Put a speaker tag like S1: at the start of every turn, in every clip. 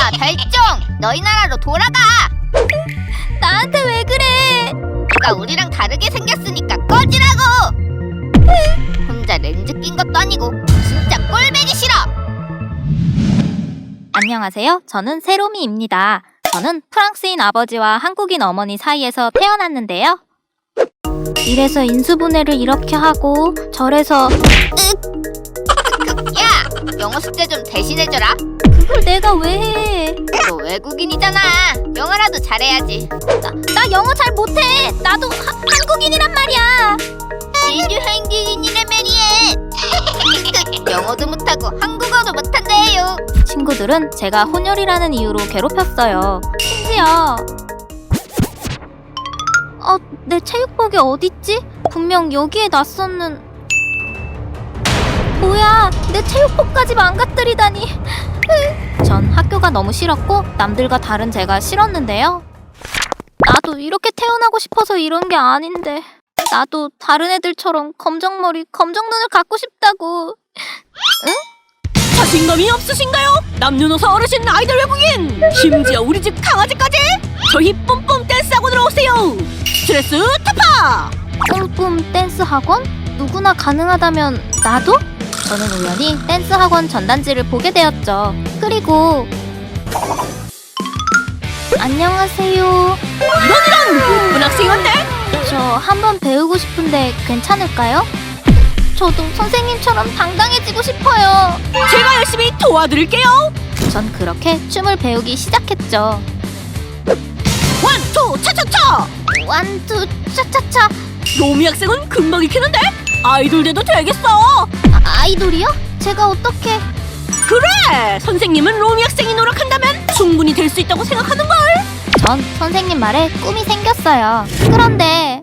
S1: 야 달종, 너희 나라로 돌아가.
S2: 나한테 왜 그래?
S1: 네가 우리랑 다르게 생겼으니까 꺼지라고. 혼자 렌즈 낀 것도 아니고 진짜 꼴배기 싫어.
S2: 안녕하세요. 저는 세로미입니다. 저는 프랑스인 아버지와 한국인 어머니 사이에서 태어났는데요. 이래서 인수분해를 이렇게 하고 저래서
S1: 야, 영어 숙제 좀 대신해줘라.
S2: 그걸 내가 왜 해?
S1: 너 외국인이잖아. 영어라도 잘해야지.
S2: 나 영어 잘 못해. 나도 한국인이란 말이야.
S1: 니도 한국인이란 말이야. 영어도 못하고 한국어도 못한대요.
S2: 친구들은 제가 혼혈이라는 이유로 괴롭혔어요. 심지어 내 체육복이 어딨지? 분명 여기에 놨었는... 뭐야, 내 체육복까지 망가뜨리다니. 전 학교가 너무 싫었고 남들과 다른 제가 싫었는데요. 나도 이렇게 태어나고 싶어서 이런 게 아닌데 나도 다른 애들처럼 검정머리, 검정눈을 갖고 싶다고. 응?
S3: 자신감이 없으신가요? 남녀노소 어르신 아이돌 외국인! 심지어 우리 집 강아지까지! 저희 뿜뿜 댄스 학원으로 오세요! 스트레스 타파!
S2: 뿜뿜 댄스 학원? 누구나 가능하다면 나도? 저는 우연히 댄스 학원 전단지를 보게 되었죠. 그리고 안녕하세요.
S3: 이런 예쁜 학생인데?
S2: 저 한번 배우고 싶은데 괜찮을까요? 저도 선생님처럼 당당해지고 싶어요.
S3: 제가 열심히 도와드릴게요!
S2: 전 그렇게 춤을 배우기 시작했죠.
S3: 원, 투, 차차차!
S2: 완투 차차차.
S3: 로미 학생은 금방 익히는데? 아이돌 돼도 되겠어!
S2: 아이돌이요? 제가 어떻게...
S3: 그래! 선생님은 로미 학생이 노력한다면 충분히 될 수 있다고 생각하는걸!
S2: 전 선생님 말에 꿈이 생겼어요. 그런데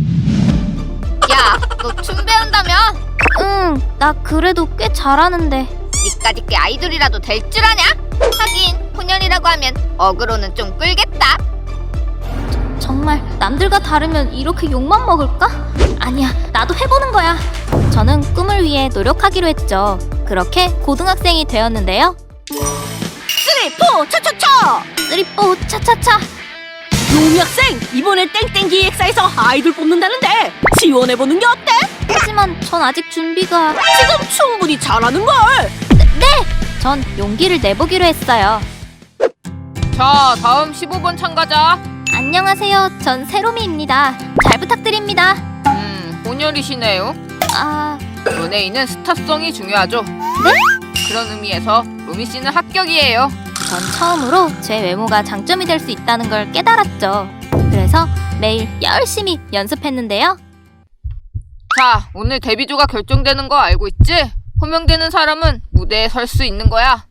S1: 야, 너 춤 배운다며?
S2: 응, 나 그래도 꽤 잘하는데.
S1: 니까지 꽤 아이돌이라도 될 줄 아냐? 하긴 혼혈이라고 하면 어그로는 좀 끌겠다.
S2: 정말 남들과 다르면 이렇게 욕만 먹을까? 아니야, 나도 해보는 거야. 저는 꿈을 위해 노력하기로 했죠. 그렇게 고등학생이 되었는데요.
S3: 쓰리, 포, 차차차!
S2: 쓰리뽀 차차차.
S3: 로미 학생, 이번에 땡땡 기획사에서 아이돌 뽑는다는데 지원해보는 게 어때?
S2: 하지만 전 아직 준비가...
S3: 지금 충분히 잘하는걸!
S2: 네! 전 용기를 내보기로 했어요.
S1: 자, 다음 15번 참가자.
S2: 안녕하세요. 전 세로미입니다. 잘 부탁드립니다.
S1: 혼혈이시네요.
S2: 아...
S1: 연예인은 스타성이 중요하죠.
S2: 네?
S1: 그런 의미에서 로미 씨는 합격이에요.
S2: 전 처음으로 제 외모가 장점이 될 수 있다는 걸 깨달았죠. 그래서 매일 열심히 연습했는데요.
S1: 자, 오늘 데뷔조가 결정되는 거 알고 있지? 호명되는 사람은 무대에 설 수 있는 거야.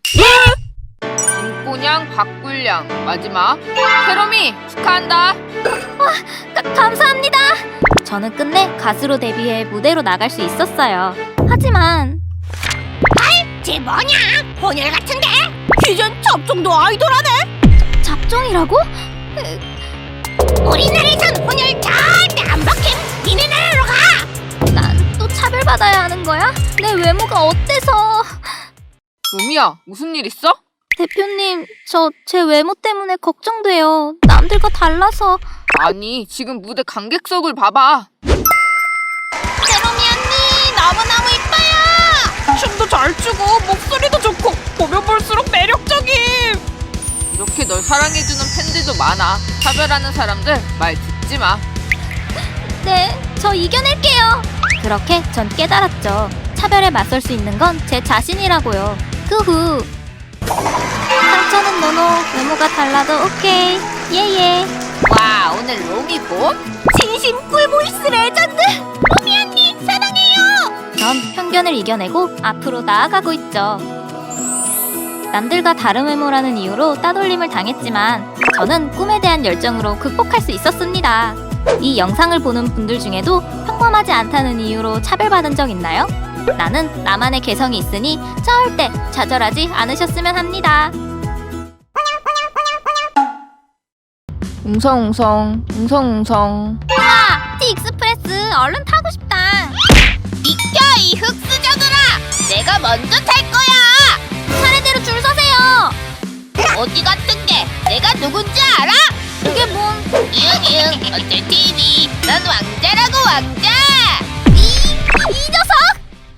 S1: 김꼬냥, 박굴량, 마지막 세롬이 축하한다.
S2: 감사합니다. 저는 끝내 가수로 데뷔해 무대로 나갈 수 있었어요. 하지만
S3: 쟤 뭐냐? 혼혈 같은데? 이젠 잡종도 아이돌하네?
S2: 잡종이라고?
S3: 우리나라에선 혼혈 절대 안 박힘! 니네 나라로 가!
S2: 난 또 차별받아야 하는 거야? 내 외모가 어때서?
S1: 로미야, 무슨 일 있어?
S2: 대표님, 저 제 외모 때문에 걱정돼요. 남들과 달라서.
S1: 아니, 지금 무대 관객석을 봐봐.
S3: 세롬이 언니 너무너무 이뻐요! 춤도 잘 추고 목소리도 좋고 보면 볼수록 매력적임!
S1: 이렇게 널 사랑해주는 팬들도 많아. 차별하는 사람들 말 듣지 마.
S2: 네, 저 이겨낼게요. 그렇게 전 깨달았죠. 차별에 맞설 수 있는 건 제 자신이라고요. 그 후 상처는 노노, 외모가 달라도 오케이. 예예.
S1: 와, 오늘 로미 봄?
S3: 진심 꿀보이스 레전드! 로미 언니 사랑해요!
S2: 전 편견을 이겨내고 앞으로 나아가고 있죠. 남들과 다른 외모라는 이유로 따돌림을 당했지만 저는 꿈에 대한 열정으로 극복할 수 있었습니다. 이 영상을 보는 분들 중에도 평범하지 않다는 이유로 차별받은 적 있나요? 나는 나만의 개성이 있으니 절대 좌절하지 않으셨으면 합니다.
S1: 웅성웅성, 웅성웅성.
S2: 우와! 티익스프레스 얼른 타고 싶다.
S1: 비켜, 이 흑수저들아! 내가 먼저 탈 거야!
S2: 차례대로 줄 서세요.
S1: 어디가 누군지 알아?
S2: 그게 뭔?
S1: 이응 어쩔 TV. 난 왕자라고 왕자.
S2: 이 녀석!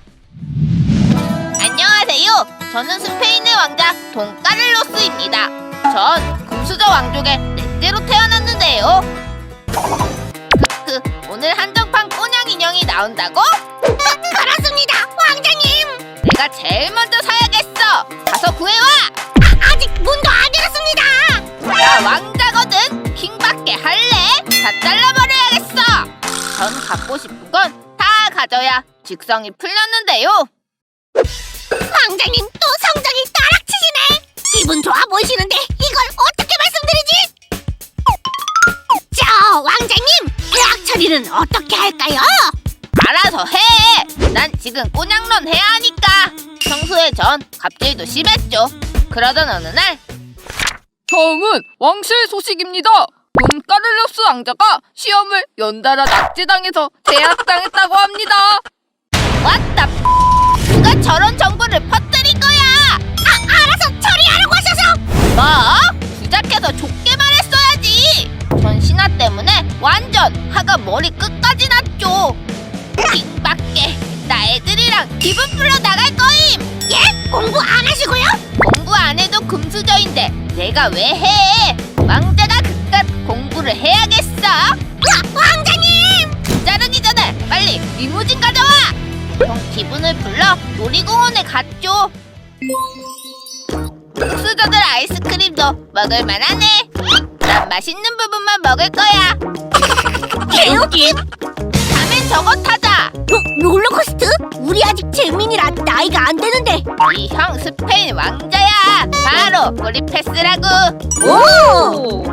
S1: 안녕하세요. 저는 스페인의 왕자 돈까를로스입니다. 전 금수저 왕족의 넷째로 태어났는데요. 오늘 한정판 꼬냥 인형이 나온다고? 그렇습니다, 왕자님. 내가 제일 먼저 사야겠어. 가서 구해와. 아직 문도 안 열었습니다. 나 왕자거든. 킹받게 할래? 다 잘라버려야겠어. 전 갖고 싶은 건 다 가져야 직성이 풀렸는데요. 왕자님 또 성적이 따락치시네. 기분 좋아 보이시는데 이걸 어떻게 말씀드리지? 저 왕자님, 계약 처리는 어떻게 할까요? 알아서 해. 난 지금 꼬냥론 해야 하니까. 평소에 전 갑질도 심했죠. 그러던 어느 날
S4: 처음은 왕실 소식입니다. 돈까를로스 왕자가 시험을 연달아 낙제당해서 제압당했다고 합니다.
S1: 왔다. 누가 저런 정보를 퍼뜨린 거야? 알아서 처리하라고 하셔서. 뭐? 주작해서 좋게 말했어야지. 전 신하 때문에 완전 화가 머리 끝까지 났죠. 킹밖에 나 애들이랑 기분 풀러 나갈 거임. 예? 공부 안 하시고요? 공부 안 해도 금수저인데 내가 왜 해? 왕자가 그깟 공부를 해야겠어. 왕자님! 자르기 전에 빨리 리무진 가져와. 형 기분을 풀러 놀이공원에 갔죠. 금수저들 아이스크림도 먹을 만하네. 난 맛있는 부분만 먹을 거야. 개웃김! 다음엔 저거 타자. 롤러코스터? 우리 아직 재민이라 나이가 안 되는데. 이 형 스페인 왕자야. 바로 우리 패스라고. 오!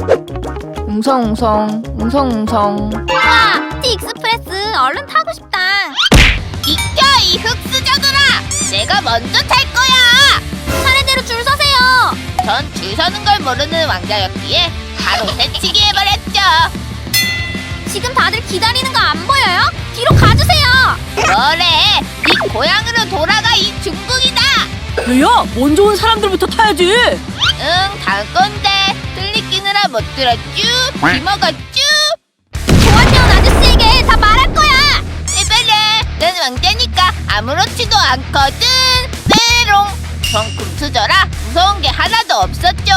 S4: 웅성웅성.
S2: 와, 티익스프레스 얼른 타고 싶다.
S1: 비켜 이 흑수저들아. 내가 먼저 탈 거야.
S2: 차례대로 줄 서세요.
S1: 전 줄 서는 걸 모르는 왕자였기에 바로 새치기 해버렸죠.
S2: 지금 다들 기다리는 거 안 보여요? 뒤로 가주세요.
S1: 뭐래? 네 고향으로 돌아가 이 중국이다.
S3: 얘야, 먼저 온 사람들부터 타야지.
S1: 응, 다음 건데 들리 끼느라 못 들었쥬. 귀먹었쥬.
S2: 보안요원 아저씨에게 다 말할 거야.
S1: 해봐라. 난 왕자니까 아무렇지도 않거든. 메롱. 전 금수저라 무서운 게 하나도 없었죠.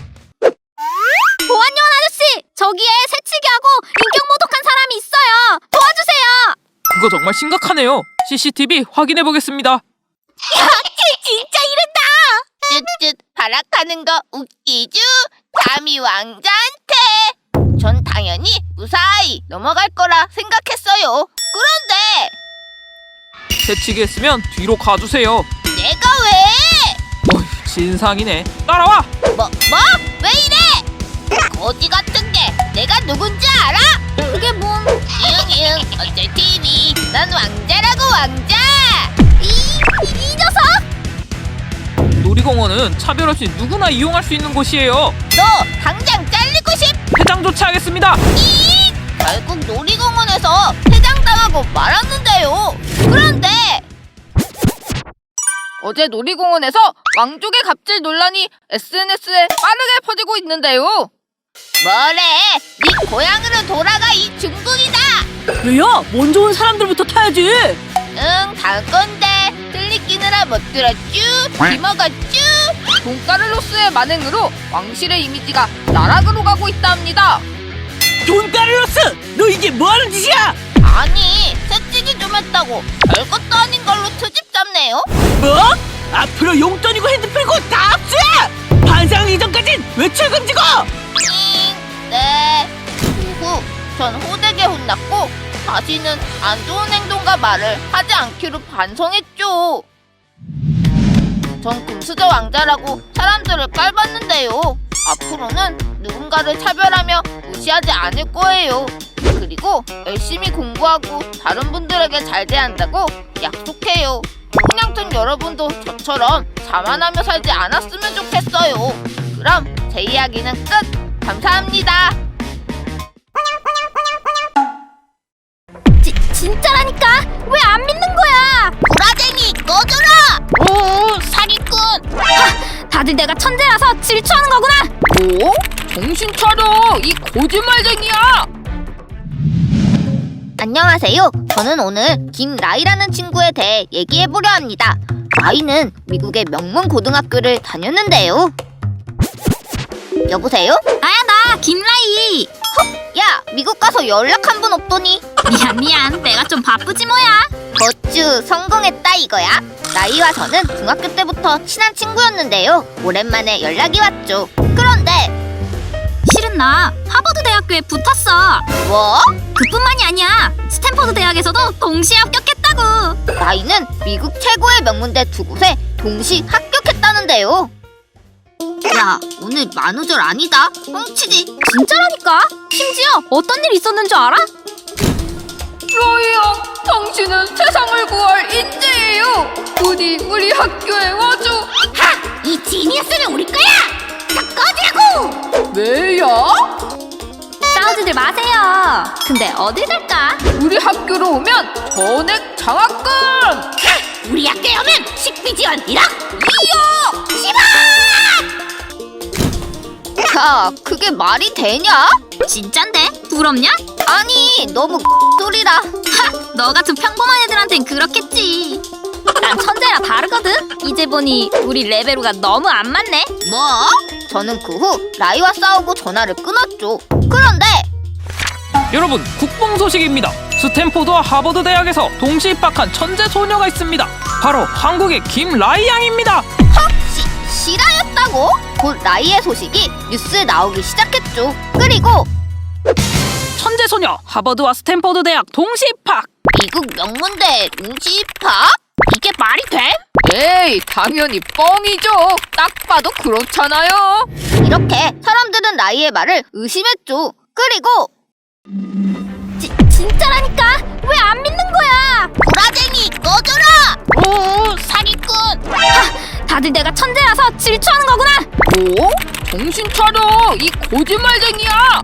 S2: 보안요원 아저씨, 저기에 새치기하고 인격 모독한 사람이 있어요. 도와주세요.
S4: 그거 정말 심각하네요. CCTV 확인해 보겠습니다.
S1: 진짜 이른다. 쯧쯧 발악하는 거 웃기쥬. 감히 왕자한테. 전 당연히 무사히 넘어갈 거라 생각했어요. 그런데
S4: 새치기 했으면 뒤로 가주세요.
S1: 내가 왜?
S4: 어휴, 진상이네. 따라와.
S1: 뭐? 왜 이래? 거지 같은 게 내가 누군지 알아?
S2: 그게 뭔?
S1: 이응 어쩔 TV. 난 왕자라고 왕자.
S2: 이 녀석!
S4: 놀이공원은 차별 없이 누구나 이용할 수 있는 곳이에요.
S1: 너 당장 잘리고 싶?
S4: 회장 조치하겠습니다.
S1: 결국 놀이공원에서 퇴장당하고 말았는데요. 그런데
S4: 어제 놀이공원에서 왕족의 갑질 논란이 SNS에 빠르게 퍼지고 있는데요.
S1: 뭐래? 네 고향으로 돌아가 이 중국이다.
S3: 얘야, 먼저 온 사람들부터 타야지.
S1: 응, 다음 건데 들리 끼느라 못 들었쥬. 귀먹었쥬.
S4: 돈까를로스의 만행으로 왕실의 이미지가 나락으로 가고 있다 합니다.
S3: 돈까를로스, 너 이게 뭐하는 짓이야?
S1: 아니, 새치기 좀 했다고 별것도 아닌 걸로 트집 잡네요.
S3: 뭐? 앞으로 용돈이고 핸드폰이고 다 압수해! 반상 이전까진 외출 금지고!
S1: 네. 후, 전 호되게 혼났고 다시는 안 좋은 행동과 말을 하지 않기로 반성했죠. 전 금수저 왕자라고 사람들을 깔봤는데요. 앞으로는 누군가를 차별하며 무시하지 않을 거예요. 그리고 열심히 공부하고 다른 분들에게 잘 대한다고 약속해요. 그냥전 여러분도 저처럼 자만하며 살지 않았으면 좋겠어요. 그럼 제 이야기는 끝! 감사합니다.
S2: 진짜라니까? 왜 안 믿는 거야?
S1: 구라쟁이 꺼져라! 오, 사기꾼!
S2: 다들 내가 천재라서 질투하는 거구나.
S1: 뭐?
S4: 정신 차려! 이 거짓말쟁이야!
S1: 안녕하세요. 저는 오늘 김라이라는 친구에 대해 얘기해보려 합니다. 라이는 미국의 명문 고등학교를 다녔는데요. 여보세요?
S2: 나야, 나 김라이.
S1: 야, 미국 가서 연락 한 번 없더니.
S2: 미안. 내가 좀 바쁘지 뭐야.
S1: 어쭈, 성공했다 이거야. 라이와 저는 중학교 때부터 친한 친구였는데요. 오랜만에 연락이 왔죠. 그런데
S2: 실은 나 하버드 대학교에 붙었어.
S1: 뭐?
S2: 그뿐만이 아니야. 스탠퍼드 대학에서도 동시에 합격했다고.
S1: 라이는 미국 최고의 명문대 두 곳에 동시 합격했다는데요. 야, 오늘 만우절 아니다. 뻥치지.
S2: 진짜라니까. 심지어 어떤 일 있었는 줄 알아?
S4: 라이야, 당신은 세상을 구할 인재예요. 부디 우리 학교에 와줘.
S1: 이 지니어스는 우리 거야. 자, 꺼지라고.
S4: 왜야?
S2: 싸우지들 마세요. 근데 어딜 갈까?
S4: 우리 학교로 오면 전액 장학금!
S1: 우리 학교에 오면 식비 지원 1억. 야, 그게 말이 되냐?
S2: 진짠데? 부럽냐?
S1: 아니, 너무 소리라.
S2: 너 같은 평범한 애들한텐 그렇겠지. 난 천재라 다르거든. 이제 보니 우리 레베루가 너무 안 맞네.
S1: 뭐? 저는 그 후 라이와 싸우고 전화를 끊었죠. 그런데
S5: 여러분, 국뽕 소식입니다. 스탠포드와 하버드 대학에서 동시 입학한 천재 소녀가 있습니다. 바로 한국의 김라이 양입니다.
S1: 실화였다고? 곧 라이의 소식이 뉴스에 나오기 시작했죠. 그리고
S5: 천재 소녀 하버드와 스탠포드 대학 동시 입학.
S1: 미국 명문대 동시 입학?
S2: 이게 말이 돼?
S4: 에이, 당연히 뻥이죠. 딱 봐도 그렇잖아요.
S1: 이렇게 사람들은 라이의 말을 의심했죠. 그리고
S2: 진짜라니까. 왜 안 믿는 거야?
S1: 구라쟁이 꺼져라!
S2: 오, 사기꾼. 다들 내가 천재라서 질투하는 거구나.
S4: 뭐? 정신 차려! 이 거짓말쟁이야!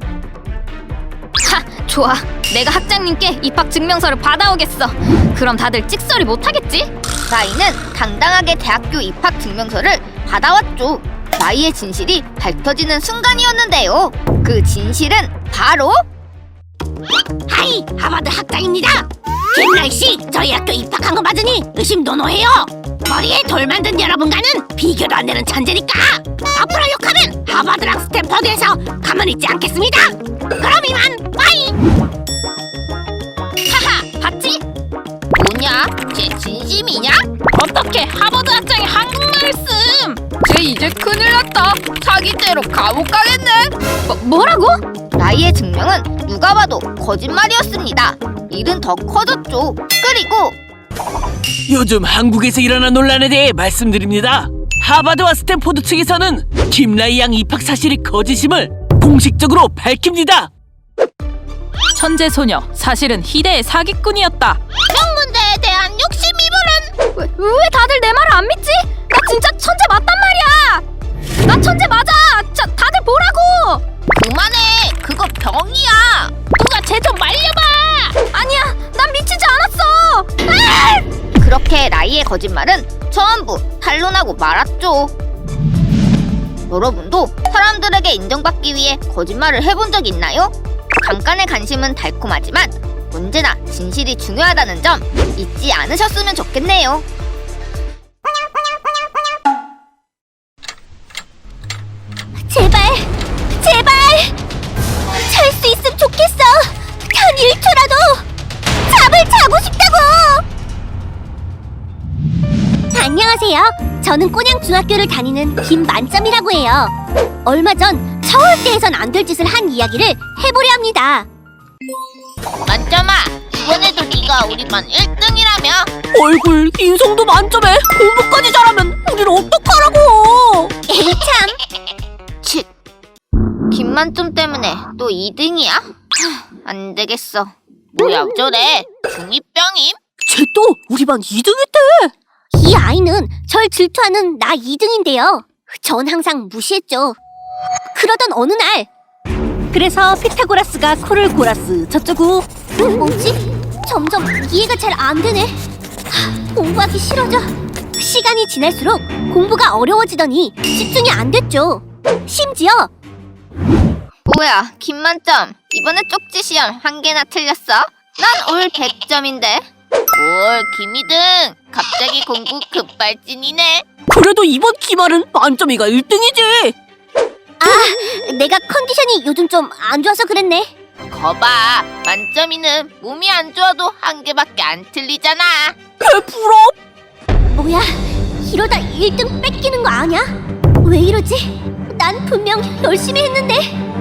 S2: 좋아. 내가 학장님께 입학 증명서를 받아오겠어. 그럼 다들 찍소리 못하겠지?
S1: 라이는 당당하게 대학교 입학 증명서를 받아왔죠. 라이의 진실이 밝혀지는 순간이었는데요. 그 진실은 바로 하이, 하버드 학장입니다. 김라이씨, 저희 학교 입학한 거 맞으니 의심 노노해요. 머리에 돌 만든 여러분과는 비교도 안 되는 천재니까 앞으로 욕하면 하버드랑 스탠퍼드에서 가만히 있지 않겠습니다. 그럼 이만 빠이.
S2: 하하, 봤지?
S1: 뭐냐? 제 진심이냐?
S2: 어떻게 하버드 학장이 한국말을 씀?
S4: 쟤 이제 큰일 났다. 사기죄로 감옥 가겠네.
S2: 뭐라고?
S1: 라이의 증명은 누가 봐도 거짓말이었습니다. 일은 더 커졌죠. 그리고
S6: 요즘 한국에서 일어난 논란에 대해 말씀드립니다. 하버드와 스탠포드 측에서는 김라이 양 입학 사실이 거짓임을 공식적으로 밝힙니다.
S5: 천재 소녀 사실은 희대의 사기꾼이었다.
S1: 명문대에 대한 욕심이불은
S2: 왜 다들 내 말을 안 믿지? 나 진짜 천재 맞단 말이야. 나 천재 맞아. 다들 보라고.
S1: 그만해. 그거 병이야.
S2: 누가 쟤 좀 말려봐. 아니야, 난 미치지 않았어.
S1: 그렇게 라이의 거짓말은 전부 탄로나고 말았죠. 여러분도 사람들에게 인정받기 위해 거짓말을 해본 적 있나요? 잠깐의 관심은 달콤하지만 언제나 진실이 중요하다는 점 잊지 않으셨으면 좋겠네요.
S2: 제발 잘 수 있으면 좋겠어. 단 1초라도 잠을 자고 싶다고. 안녕하세요. 저는 꼬냥중학교를 다니는 김만점이라고 해요. 얼마 전 절대해선 안 될 짓을 한 이야기를 해보려 합니다.
S1: 만점아, 이번에도 네가 우리 반 1등이라며?
S3: 얼굴 인성도 만점에 공부까지 잘하면 우린 어떡하라고.
S2: 에이 참.
S1: 치, 김만점 때문에 또 2등이야? 안 되겠어. 뭐야 저래? 중2병임?
S3: 쟤 또 우리 반 2등했대.
S2: 이 아이는 절 질투하는 나 2등인데요. 전 항상 무시했죠. 그러던 어느 날
S3: 그래서 피타고라스가 코를 골았스 저쩌고.
S2: 뭐지? 점점 이해가 잘 안 되네. 공부하기 싫어져. 시간이 지날수록 공부가 어려워지더니 집중이 안 됐죠. 심지어
S1: 뭐야, 김만점. 이번에 쪽지 시험 1개나 틀렸어? 난 올 100점인데. 뭘, 김이등. 갑자기 공부 급발진이네.
S3: 그래도 이번 기말은 만점이가 1등이지.
S2: 내가 컨디션이 요즘 좀 안 좋아서 그랬네.
S1: 거봐, 만점이는 몸이 안 좋아도 1개밖에 안 틀리잖아.
S3: 개부럽.
S2: 뭐야, 이러다 1등 뺏기는 거 아니야? 왜 이러지? 난 분명 열심히 했는데.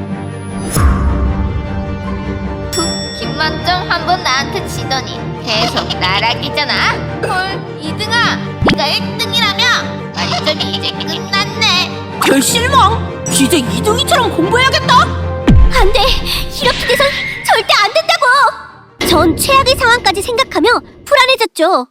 S1: 김만점 한 번 나한테 지더니 계속 나락이잖아. 헐, 이등아, 네가 1등이라며? 만점이 이제 끝났네.
S3: 개 실망. 이제 2등이처럼 공부해야겠다.
S2: 안 돼, 이렇게 돼선 절대 안 된다고. 전 최악의 상황까지 생각하며 불안해졌죠.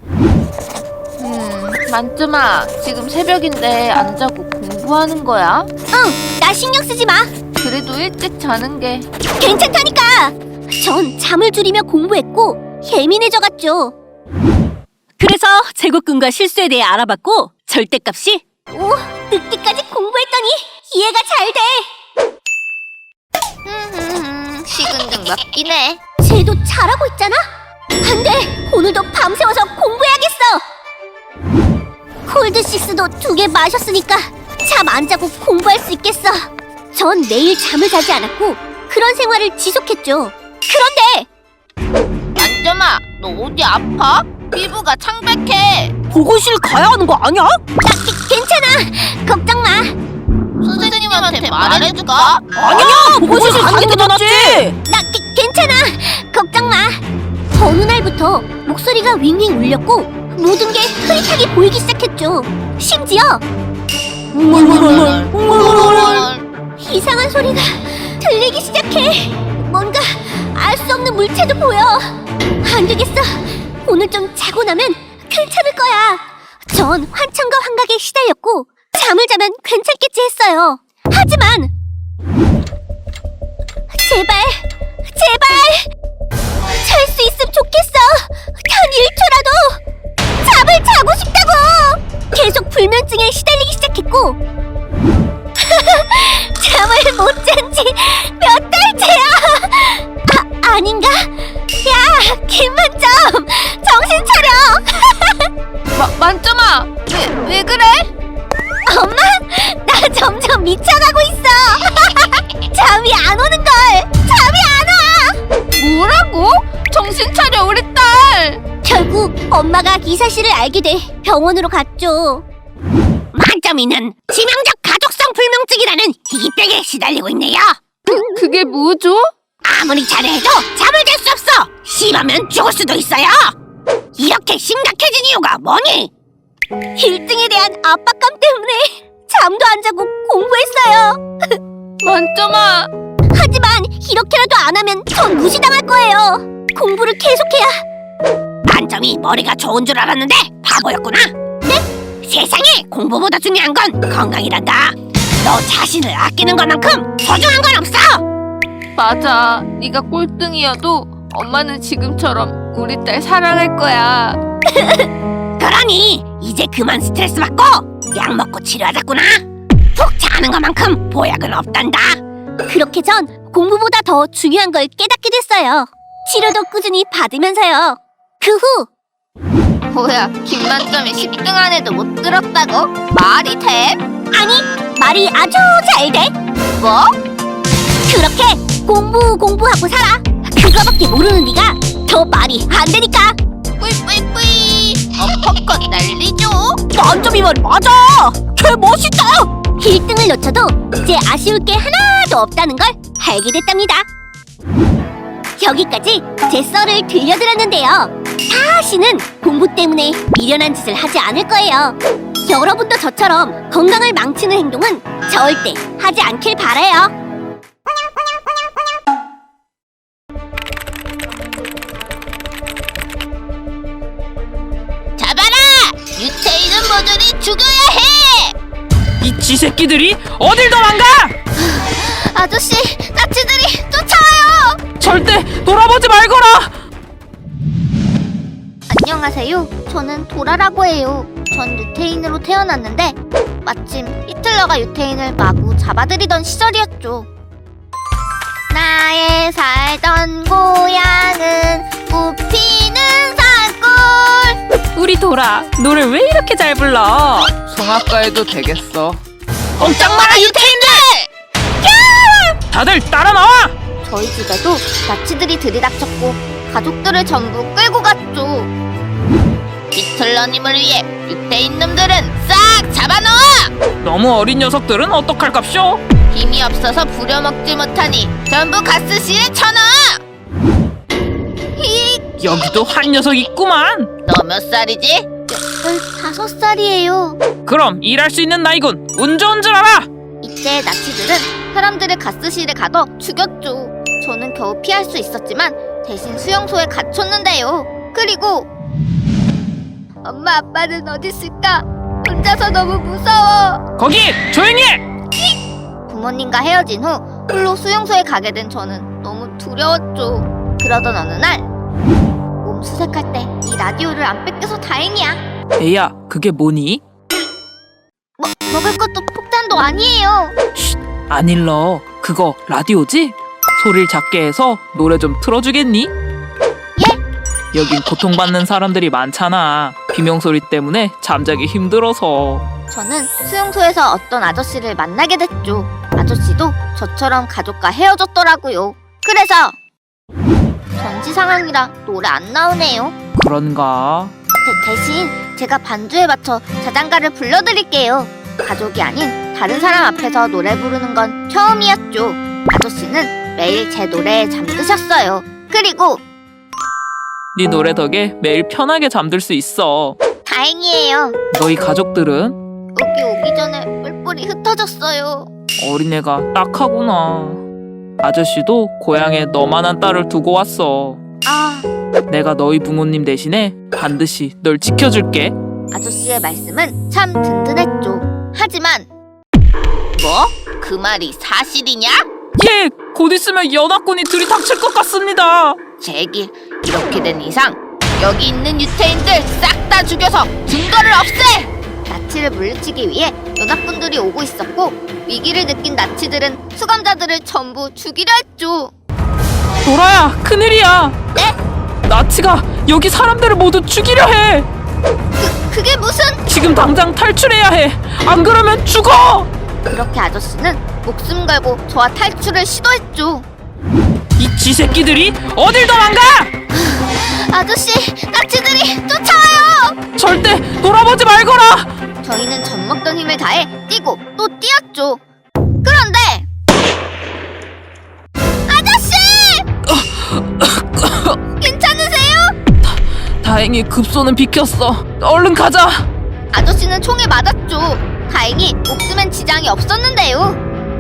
S1: 만점아, 지금 새벽인데 안 자고 공부하는 거야?
S2: 응, 나 신경 쓰지 마.
S1: 그래도 일찍 자는 게.
S2: 괜찮다니까. 전 잠을 줄이며 공부했고 예민해져갔죠.
S3: 그래서 제곱근과 실수에 대해 알아봤고 절대값이
S2: 오, 늦게까지 공부했더니 이해가 잘 돼.
S1: 식은등 먹긴 해.
S2: 쟤도 잘하고 있잖아. 안 돼, 오늘도 밤새워서 공부해야겠어. 콜드식스도 2개 마셨으니까 잠 안 자고 공부할 수 있겠어. 전 매일 잠을 자지 않았고 그런 생활을 지속했죠. 그런데
S1: 만점아, 너 어디 아파? 피부가 창백해.
S3: 보고실 가야 하는 거 아니야?
S2: 괜찮아, 걱정 마.
S1: 선생님한테 말해줄까?
S3: 아니야, 보고실 가는 게 더 낫지.
S2: 나 괜찮아, 걱정 마. 어느 날부터 목소리가 윙윙 울렸고 모든 게 흐릿하게 보이기 시작했죠. 심지어 이상한 소리가 들리기 시작해. 뭔가 알 수 없는 물체도 보여. 안 되겠어. 오늘 좀 자고 나면 괜찮을 거야. 전 환청과 환각에 시달렸고 잠을 자면 괜찮겠지 했어요. 하지만 제발 잘 수 있으면 좋겠어. 단 1초라도 잠을 자고 싶다고. 계속 불면증에 시달리기 시작했고 잠을 못 잔 지 몇 달째야. 아닌가? 야, 김만점, 정신 차려.
S4: 만점아, 왜 그래?
S2: 엄마, 나 점점 미쳐가고 있어. 잠이 안 오는 걸. 잠이 안 와.
S4: 뭐라고? 정신 차려, 우리 딸.
S2: 결국 엄마가 이 사실을 알게 돼 병원으로 갔죠. 만점이는 치명적 가족성 불면증이라는 희귀병에 시달리고 있네요.
S4: 그게 뭐죠?
S2: 아무리 잘해도 잠을 잘 수 없어. 심하면 죽을 수도 있어요. 이렇게 심각해진 이유가 뭐니? 1등에 대한 압박감 때문에 잠도 안 자고 공부했어요.
S4: 만점아,
S2: 하지만 이렇게라도 안 하면 전 무시당할 거예요. 공부를 계속해야. 만점이 머리가 좋은 줄 알았는데 바보였구나. 네? 세상에 공부보다 중요한 건 건강이란다. 너 자신을 아끼는 것만큼 소중한 건 없어.
S4: 맞아. 네가 꼴등이어도 엄마는 지금처럼 우리 딸 사랑할 거야.
S2: 그러니 이제 그만 스트레스 받고 약 먹고 치료하자꾸나. 푹 자는 것만큼 보약은 없단다. 그렇게 전 공부보다 더 중요한 걸 깨닫게 됐어요. 치료도 꾸준히 받으면서요. 그 후
S1: 뭐야, 김만점이 10등 안에도 못 들었다고? 말이 돼?
S2: 아니, 말이 아주 잘 돼.
S1: 뭐?
S2: 그렇게 공부하고 살아. 그거밖에 모르는 네가 더 말이 안 되니까.
S1: 뿌이뿌이뿌이. 어퍼컷 날리죠.
S3: 만점이 말 맞아. 개 멋있다.
S2: 1등을 놓쳐도 이제 아쉬울 게 하나도 없다는 걸 알게 됐답니다. 여기까지 제 썰을 들려드렸는데요. 다시는 공부 때문에 미련한 짓을 하지 않을 거예요. 여러분도 저처럼 건강을 망치는 행동은 절대 하지 않길 바라요.
S1: 잡아라! 유체이는 모조리 죽여야 해!
S5: 이 쥐새끼들이 어딜 도망가!
S1: 아저씨, 나치들이 쫓아와요!
S5: 절대 돌아보지 말거라!
S2: 안녕하세요. 저는 도라라고 해요.
S1: 전 유태인으로 태어났는데 마침 히틀러가 유태인을 마구 잡아들이던 시절이었죠. 나의 살던 고향은 꽃피는 산골.
S2: 우리 도라, 노래 왜 이렇게 잘 불러?
S4: 성악가해도 되겠어.
S1: 꼼짝 마라 유태인들!
S5: 다들 따라 나와!
S1: 저희 집에도 나치들이 들이닥쳤고 가족들을 전부 끌고 갔죠. 히틀러님을 위해 유태인 놈들은 싹 잡아넣어!
S5: 너무 어린 녀석들은 어떡할깝쇼?
S1: 힘이 없어서 부려먹지 못하니 전부 가스실에 쳐넣어!
S5: 여기도 한 녀석 있구만.
S1: 너 몇 살이지? 15살이에요.
S5: 그럼 일할 수 있는 나이군. 운 좋은 줄 알아.
S1: 이때 나치들은 사람들을 가스실에 가둬 죽였죠. 저는 겨우 피할 수 있었지만 대신 수용소에 갇혔는데요. 그리고 엄마 아빠는 어디 있을까? 혼자서 너무 무서워.
S5: 거기 조용히 해.
S1: 부모님과 헤어진 후 홀로 수용소에 가게 된 저는 너무 두려웠죠. 그러던 어느 날 몸 수색할 때 이 라디오를 안 뺏겨서 다행이야.
S5: 애야, 그게 뭐니?
S1: 먹을 것도 폭탄도 아니에요.
S5: 안 일러. 그거 라디오지? 소리를 작게 해서 노래 좀 틀어주겠니?
S1: 예?
S5: 여긴 고통받는 사람들이 많잖아. 비명소리 때문에 잠자기 힘들어서.
S1: 저는 수용소에서 어떤 아저씨를 만나게 됐죠. 아저씨도 저처럼 가족과 헤어졌더라고요. 그래서 전시 상황이라 노래 안 나오네요.
S5: 그런가?
S1: 대신 제가 반주에 맞춰 자장가를 불러드릴게요. 가족이 아닌 다른 사람 앞에서 노래 부르는 건 처음이었죠. 아저씨는 매일 제 노래에 잠드셨어요. 그리고
S5: 네 노래 덕에 매일 편하게 잠들 수 있어.
S1: 다행이에요.
S5: 너희 가족들은?
S1: 여기 오기 전에 뿔뿔이 흩어졌어요.
S5: 어린애가 딱하구나. 아저씨도 고향에 너만한 딸을 두고 왔어.
S1: 아,
S5: 내가 너희 부모님 대신에 반드시 널 지켜줄게.
S1: 아저씨의 말씀은 참 든든했죠. 하지만 뭐? 그 말이 사실이냐?
S5: 예, 곧 있으면 연합군이 들이닥칠 것 같습니다.
S1: 제길 이렇게 된 이상 여기 있는 유태인들 싹 다 죽여서 증거를 없애! 나치를 물리치기 위해 연합군들이 오고 있었고 위기를 느낀 나치들은 수감자들을 전부 죽이려 했죠.
S5: 도라야, 큰일이야.
S1: 네?
S5: 나치가 여기 사람들을 모두 죽이려 해.
S1: 그게 무슨...
S5: 지금 당장 탈출해야 해. 안 그러면 죽어.
S1: 그렇게 아저씨는 목숨 걸고 저와 탈출을 시도했죠.
S5: 이 쥐새끼들이 어딜 도망가?
S1: 아저씨, 나치들이 쫓아와요!
S5: 절대 돌아보지 말거라.
S1: 저희는 젖먹던 힘을 다해 뛰고 또 뛰었죠. 그런데 아저씨! 괜찮으세요?
S5: 다행히 급소는 비켰어. 얼른 가자.
S1: 아저씨는 총에 맞았죠. 다행히 목숨엔 지장이 없었는데요.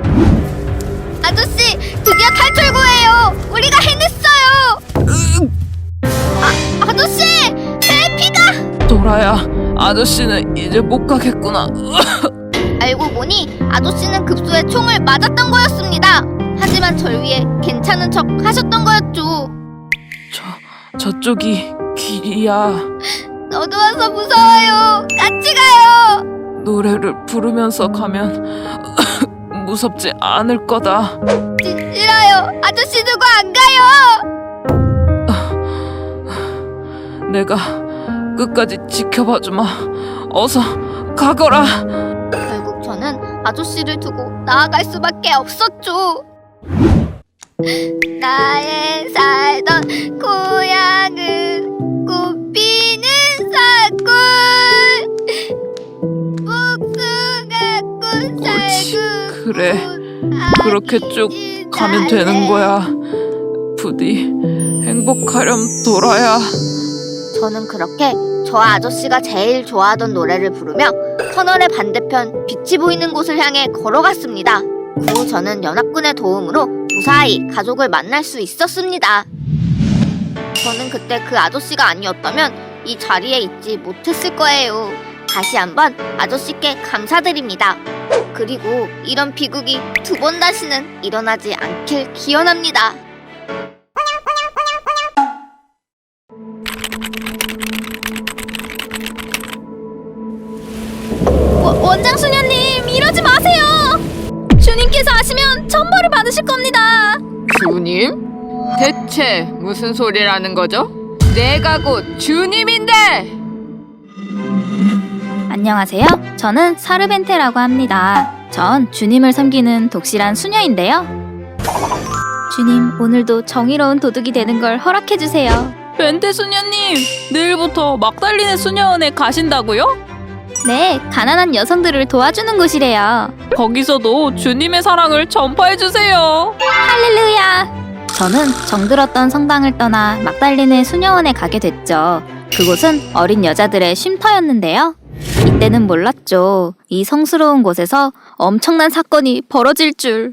S1: 아저씨, 드디어 탈출구예요. 우리가 해냈어요. 아저씨, 제 피가...
S5: 도라야, 아저씨는 이제 못 가겠구나.
S1: 알고 보니 아저씨는 급소에 총을 맞았던 거였습니다. 하지만 절 위해 괜찮은 척 하셨던 거였죠.
S5: 저쪽이 길이야.
S1: 너도 와서 무서워요. 같이 가요.
S5: 노래를 부르면서 가면 무섭지 않을 거다.
S1: 싫어요. 아저씨 두고 안 가요.
S5: 내가 끝까지 지켜봐 주마. 어서 가거라.
S1: 결국 저는 아저씨를 두고 나아갈 수밖에 없었죠. 나의 살던 고향은 꽃피는 산골. 복숭아 꽃
S5: 옳지,
S1: 살구
S5: 그래. 그렇게 쭉 가면 되는 거야. 부디 행복하렴, 도라야.
S1: 저는 그렇게 저 아저씨가 제일 좋아하던 노래를 부르며 터널의 반대편 빛이 보이는 곳을 향해 걸어갔습니다. 그 후 저는 연합군의 도움으로 무사히 가족을 만날 수 있었습니다. 저는 그때 그 아저씨가 아니었다면 이 자리에 있지 못했을 거예요. 다시 한번 아저씨께 감사드립니다. 그리고 이런 비극이 두 번 다시는 일어나지 않길 기원합니다.
S2: 원장 수녀님, 이러지 마세요. 주님께서 아시면 천벌을 받으실 겁니다.
S4: 주님? 대체 무슨 소리라는 거죠? 내가 곧 주님인데!
S2: 안녕하세요. 저는 사르벤테라고 합니다. 전 주님을 섬기는 독실한 수녀인데요. 주님, 오늘도 정의로운 도둑이 되는 걸 허락해 주세요.
S3: 벤테 수녀님, 내일부터 막달리네 수녀원에 가신다고요?
S2: 네, 가난한 여성들을 도와주는 곳이래요.
S3: 거기서도 주님의 사랑을 전파해 주세요.
S2: 할렐루야! 저는 정들었던 성당을 떠나 막달리네 수녀원에 가게 됐죠. 그곳은 어린 여자들의 쉼터였는데요. 이때는 몰랐죠. 이 성스러운 곳에서 엄청난 사건이 벌어질 줄.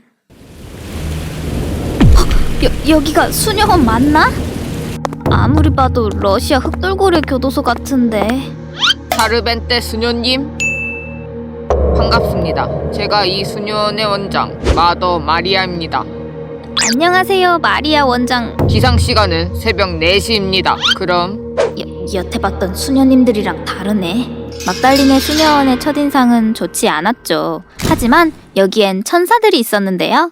S2: 여기가 수녀원 맞나? 아무리 봐도 러시아 흑돌고래 교도소 같은데.
S4: 사르벤테 수녀님 반갑습니다. 제가 이 수녀원의 원장 마더 마리아입니다.
S2: 안녕하세요, 마리아 원장.
S4: 기상 시간은 새벽 4시입니다. 그럼
S2: 여태 봤던 수녀님들이랑 다르네. 막달리네 수녀원의 첫인상은 좋지 않았죠. 하지만 여기엔 천사들이 있었는데요.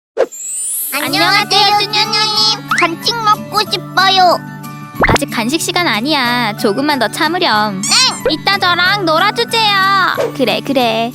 S1: 안녕하세요, 수녀님. 간식 먹고 싶어요.
S2: 아직 간식 시간 아니야. 조금만 더 참으렴. 이따 저랑 놀아주세요. 그래.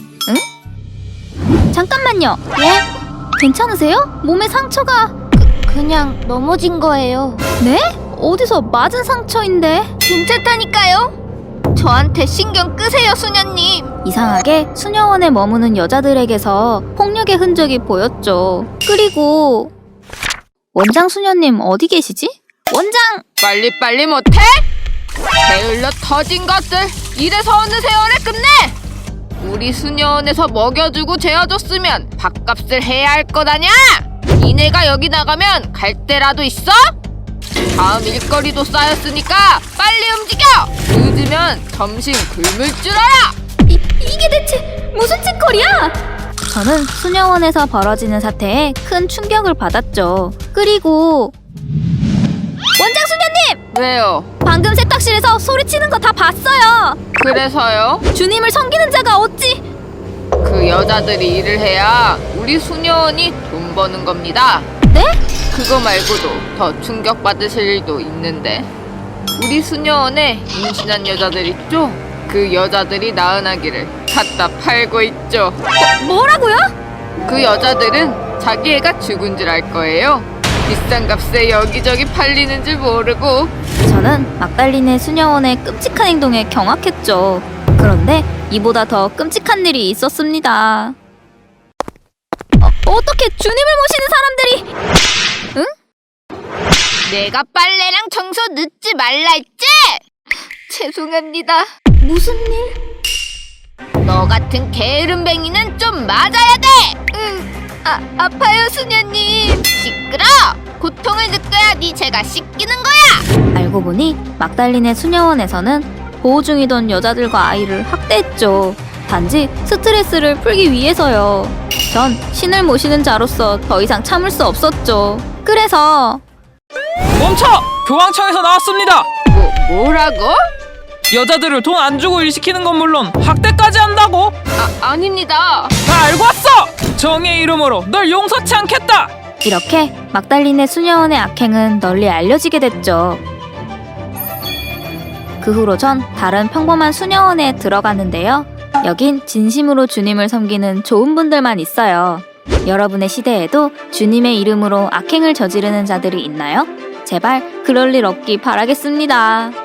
S2: 응? 잠깐만요. 예? 괜찮으세요? 몸에 상처가... 그냥 넘어진 거예요. 네? 어디서 맞은 상처인데?
S1: 괜찮다니까요. 저한테 신경 끄세요, 수녀님.
S2: 이상하게 수녀원에 머무는 여자들에게서 폭력의 흔적이 보였죠. 그리고... 원장 수녀님 어디 계시지? 원장!
S4: 빨리빨리 못해? 게을러 터진 것들 이래서 어느 세월에 끝내? 우리 수녀원에서 먹여주고 재워줬으면 밥값을 해야 할 것 아냐? 니네가 여기 나가면 갈 데라도 있어? 다음 일거리도 쌓였으니까 빨리 움직여! 늦으면 점심 굶을 줄 알아!
S2: 이게 대체 무슨 짓거리야? 저는 수녀원에서 벌어지는 사태에 큰 충격을 받았죠. 그리고... 원장 수녀님!
S4: 왜요?
S2: 방금 세탁실에서 소리치는 거 다 봤어요.
S4: 그래서요?
S2: 주님을 섬기는 자가 어찌...
S4: 그 여자들이 일을 해야 우리 수녀원이 돈 버는 겁니다.
S2: 네?
S4: 그거 말고도 더 충격받으실 일도 있는데 우리 수녀원에 임신한 여자들 있죠? 그 여자들이 낳은 아기를 갖다 팔고 있죠.
S2: 뭐라고요?
S4: 그 여자들은 자기 애가 죽은 줄 알 거예요. 비싼 값에 여기저기 팔리는 줄 모르고.
S2: 저는 막달리네 수녀원의 끔찍한 행동에 경악했죠. 그런데 이보다 더 끔찍한 일이 있었습니다. 어떻게 주님을 모시는 사람들이... 응?
S1: 내가 빨래랑 청소 늦지 말라 했지? 죄송합니다.
S2: 무슨 일?
S1: 너 같은 게으름뱅이는 좀 맞아야 돼. 아파요, 수녀님. 시끄러. 고통을 느껴야 네 죄가 씻기는 거야.
S2: 알고 보니 막달리네 수녀원에서는 보호 중이던 여자들과 아이를 학대했죠. 단지 스트레스를 풀기 위해서요. 전 신을 모시는 자로서 더 이상 참을 수 없었죠. 그래서...
S5: 멈춰! 교황청에서 나왔습니다.
S4: 뭐라고?
S5: 여자들을 돈 안 주고 일 시키는 건 물론 학대까지 한다고?
S4: 아닙니다.
S5: 다 알고 왔어! 정의의 이름으로 널 용서치 않겠다!
S2: 이렇게 막달리네 수녀원의 악행은 널리 알려지게 됐죠. 그 후로 전 다른 평범한 수녀원에 들어갔는데요. 여긴 진심으로 주님을 섬기는 좋은 분들만 있어요. 여러분의 시대에도 주님의 이름으로 악행을 저지르는 자들이 있나요? 제발 그럴 일 없기 바라겠습니다.